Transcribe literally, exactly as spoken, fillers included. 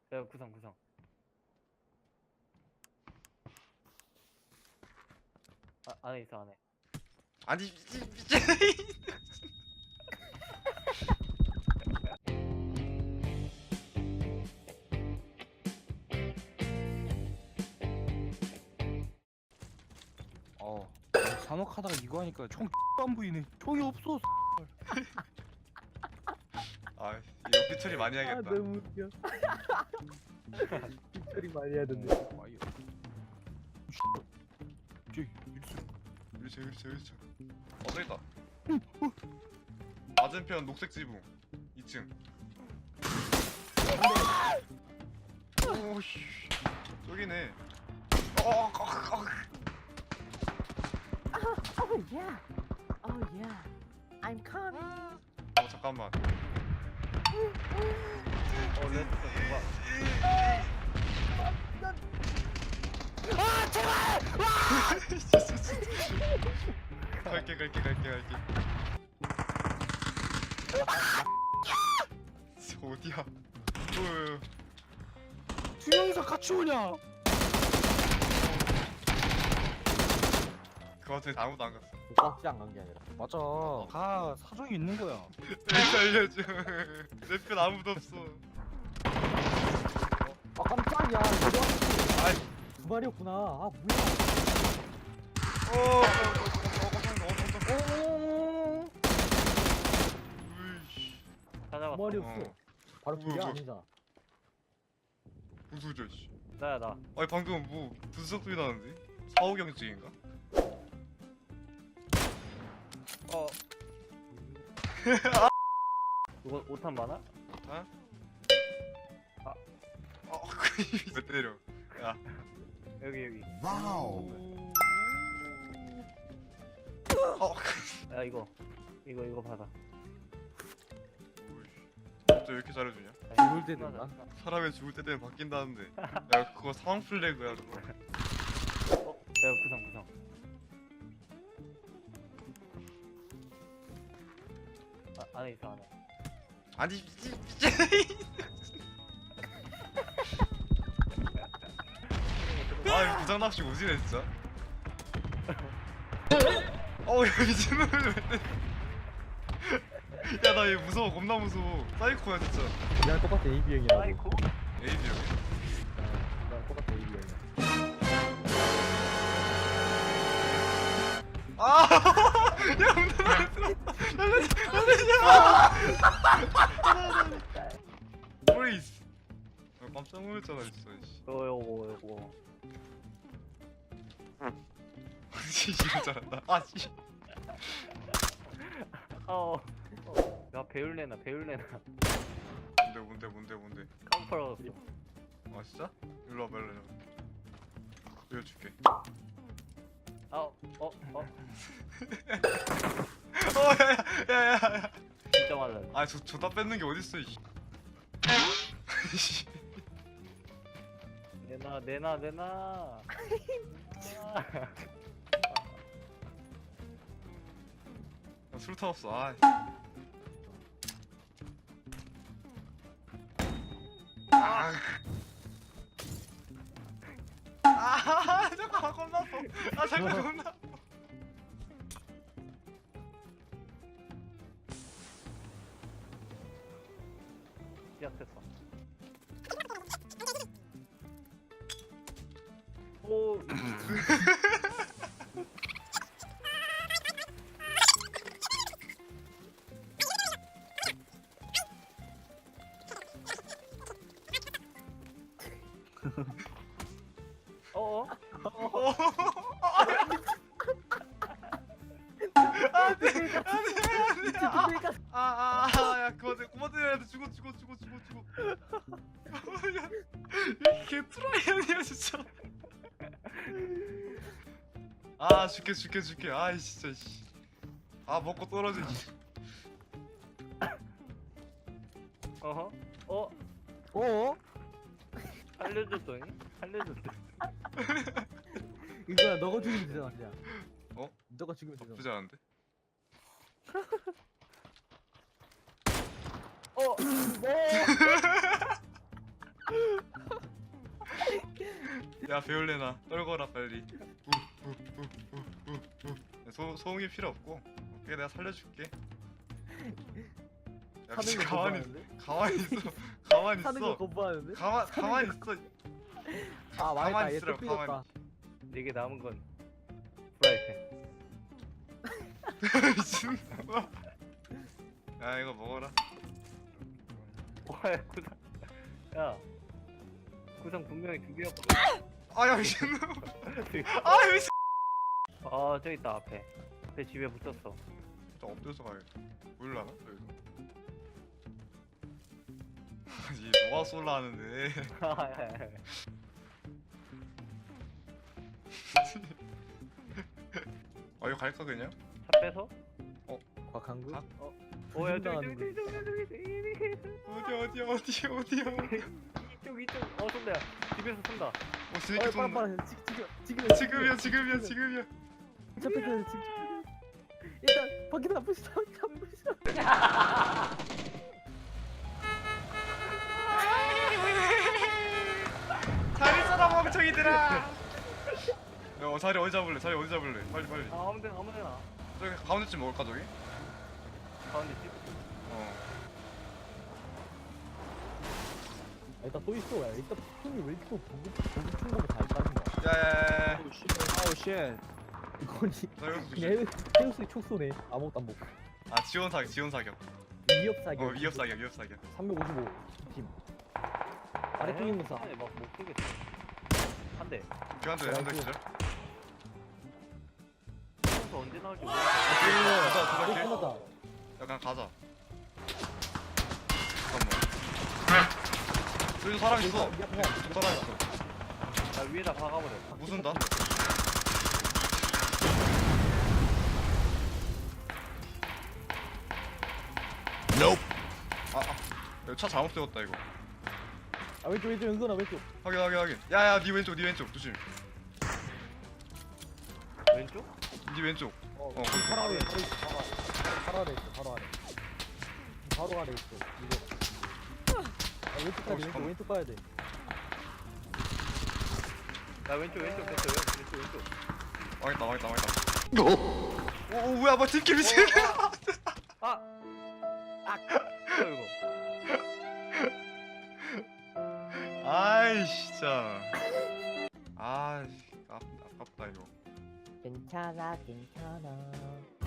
야 구상 구상. 아, 안에 있어 안에. 아니 미친 미친. 어 산옥하다가 이거 하니까 총 안 보이네. 총이 없어. 아 이거 삐처리 많이 해야겠다. 너무 웃겨. 삐처리 많이 해야 된대. 어, 아이. 저기 일차 일수. 일차 일차. 어 저기 있다. 맞은편 녹색 지붕 이 층. 오씨 저기네. 어, 어, 어. Oh yeah. Oh yeah. I'm coming. 어 잠깐만. 어 레드 누가? 갈게 갈게 갈게 갈게. 저 어디야? 어, 두 명이서 같이 오냐? 그 와중에 아무도 안 갔어. 깍지 안 간 게 아니라. 맞아. 다 사정이 있는 거야. 왜 알려줘? 내 편 아무도 없어. 아 깜짝이야. 이거 아이. 두 마리였구나. 아 뭐야? 어, 어, 어, 어, 어, 어, 어, 오. 으이씨. 다 두 잡았어. 마리였어. 어. 바로 두개 뭐야, 아니잖아. 무슨 소리야, 씨. 나야 나. 아니 방금 뭐 분석 소리 나는데? 사후경증인가? 어. 이거 오탄 많아? 아? 아. 어, 왜 때려? 야. 여기 여기. 와우. 어. 야 이거 이거 이거 받아. 진짜 왜 이렇게 잘해주냐? 죽을 때 된다. 사람이 죽을 때 되면 바뀐다는데. 야 그거 상황 플래그야 그거. 어? 야 구상 구상. 아, 안에 있어 안에. 아니 미친 미친. 아 부장 납치 오지네 진짜. 어우 야 미친놈을 왜 때려. 야나 얘 무서워 겁나 무서워. 사이코야 진짜. 나랑 똑같아 A B 형이라고. 아이고. 에이비야. 나랑 똑같아 A B 형이야. 아! 야 운전 날려줘 날려줘 날려줘. 프리즈. 아, 깜짝 놀랐잖아 진짜. 씨. 요거 요거 요거. 진짜 잘한다. 아 씨. 어. 어. 야 배율내나 배율내나. 뭔데 뭔데 뭔데 뭔데. 깜빡했어. 아 진짜? 일로 와봐 일로 와봐. 보여줄게. 아 어. 어. 어. 어 야야야야야. 진짜 맞아. 아저 저다 뺏는 게 어딨어 이. 씨. 내놔 내놔 내놔. 나 술 타왔어. 아. 아. 아 잠깐 겁나 아파. 아 잠깐 겁나 아파. 시작했어. 오. 어? 아아야 그만 그만 때려야 돼. 죽어 죽어 죽어 죽어 죽어. 야 이게 트라이 아니야 진짜. 아 죽게 죽게 죽게. 아이 진짜 씨. 아 먹고 떨어지지. 어허? 어? 어? 살려줬더니? 살려줬어. 이거야 너가 죽이면 되잖아 그냥. 어? 너가 죽이면 되잖아. 나쁘지 않은데? 어? 뭐? 야 배울래나 떨거라 빨리. 우우우우우. 소 소음이 필요 없고. 오케이 내가 살려줄게. 야 사는 미친 거 가만히 거부하는데? 가만히 있어. 가만히 사는 거 있어. 거부하는데? 가만 가만히 있어. 아 망했다. 가만히 얘또 있으라, 삐졌다. 가만히. 내게 남은 건 프라이팬. 미친놈아. 야 이거 먹어라. 와야 구상. 야 구상 분명히 두 개였거든. 아야 미친놈. 아 미친. 아 저기 있다 앞에. 내 집에 붙었어. 저 엎드려서 가야겠다. 보일라나 여기서. 아니 너가 쏠라 하는데. 아 이거 갈까 그냥? 차 빼서? 곽한국? 각? 오야 저기 나가는 저기 저기 저기 저기 어디 어디 어디 어디야? 이쪽 이쪽 어 쏜다 야 집에서 쏜다. 어 어 진짜 쏜다. 빨리 빨리 지금 지금 지금이야 지금이야 지금이야. 차 뺏겨야 돼, 지금. 일단 밖에 안 보시다. 안 보시다. 자리 써라 멍청이들아. 야 자리 어디 잡을래? 자리 어디 잡을래? 빨리 빨리. 아 아무데나 아무데나. 저기 가운데쯤 먹을까 저기? 가운데 집. 어. 아, 일단 또 있어. 야, 일단 손이 왜 이렇게 또 보급 보급 충고가 다 있다는 거야. 야야야야. 아우 쉣. 이거니 나 여기서 그냥 헤우- 헤우스의 촉소네. 아무것도 안 먹고. 아 지원 사격 지원 사격. 위협 사격. 어 위협 사격 위협 사격. 삼백오십오 팀. 아래쪽에 있는 사. 막못 쏘겠어. 한 대. 교환대 한대 기절. 쏘면서 언제 나올지 모르겠어. 가자 어, 가자. 끝났다. 야 그냥 가자. 잠깐만. 여기도 사람 있어. 야, 야, 사람 있어. 나 위에다 박아버려. 무슨다? 아, 아, 이거 차 잘못 세웠다 이거. 아 왼쪽 왼쪽 연근아 왼쪽. 확인 확인 확인. 야야 네 왼쪽 네 왼쪽 조심. 왼쪽? 네 왼쪽. 어, 어, 그 바로 아래 바로 있어. 바로 아래. 바로 아래 있어. 바로 아래. 바로 아래 있어. 이거. 아, 왼쪽 가야 돼. 왼쪽 잠깐만. 왼쪽 가야 돼. 나 왼쪽 왼쪽 됐어요. 왼쪽 왼쪽. 망했다 망했다 망했다. 오, 오 뭐야 뭐 팀킬 미친. 아! 아! 이거 아이 진짜. 아이 아, 아깝다 이거. 괜찮아 괜찮아.